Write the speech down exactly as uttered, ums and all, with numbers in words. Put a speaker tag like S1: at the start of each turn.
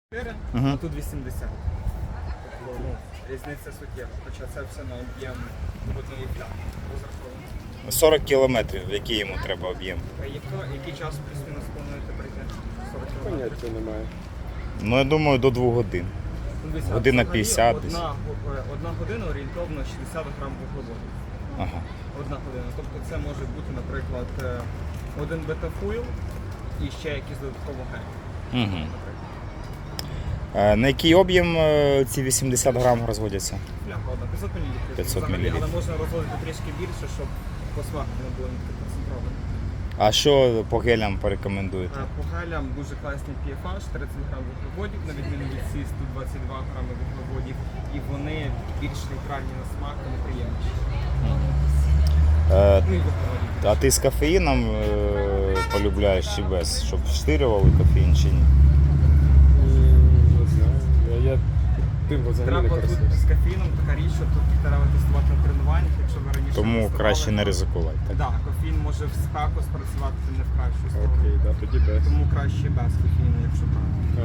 S1: Угу.
S2: А тут вісімдесят. Тобто, ну, різниця суттєва, хоча це все на об'єм однієї плями розраховано.
S1: сорок кілометрів, який йому треба об'єм?
S2: А яко- який час плюс-мінус плануєте прийти? сорок кілометрів?
S3: Поняття немає.
S1: Ну, я думаю, до двох годин.
S2: Ну, дивіться,
S1: Година
S2: взагалі
S1: п'ятдесят десь.
S2: Одна, го- одна година орієнтовно шістдесят грам вуглеводів.
S1: Ага.
S2: Одна година. Тобто це може бути, наприклад, е, один бета-фуїл і ще якийсь додатково гель.
S1: Угу. На який об'єм е, ці вісімдесят грам розводяться?
S2: Пляха одна, п'ятсот мілілітрів.
S1: п'ятсот
S2: Взагалі,
S1: мілілітрів.
S2: але можна розводити трішки більше, щоб по смаку не було не таке концентроване.
S1: А що по гелям порекомендуєте?
S2: По гелям дуже класний пі еф аш, тридцять грам вуглеводів, на відміну від сі сто двадцять два грами вуглеводів, і вони більш нейтральні на смак та неприємніші.
S1: Е,
S2: Ну і вуглеводів.
S1: а ти з кофеїном е, полюбляєш чи без? Щоб вштирювали кофеїн чи ні?
S3: М, Не знаю. Я, я тим взагалі не
S2: Треба тут
S3: користуюся.
S2: з кофеїном така річ, що тут треба тестувати на тренуваннях, якщо ви раніше
S1: Тому
S2: тестували,
S1: краще не
S2: то-
S1: ризикувати. Так?
S2: Так, кофеїн може в спеку спрацювати не в кращу сторону.
S3: Окей, да, тоді без.
S2: Тому краще без кофеїну, якщо брати.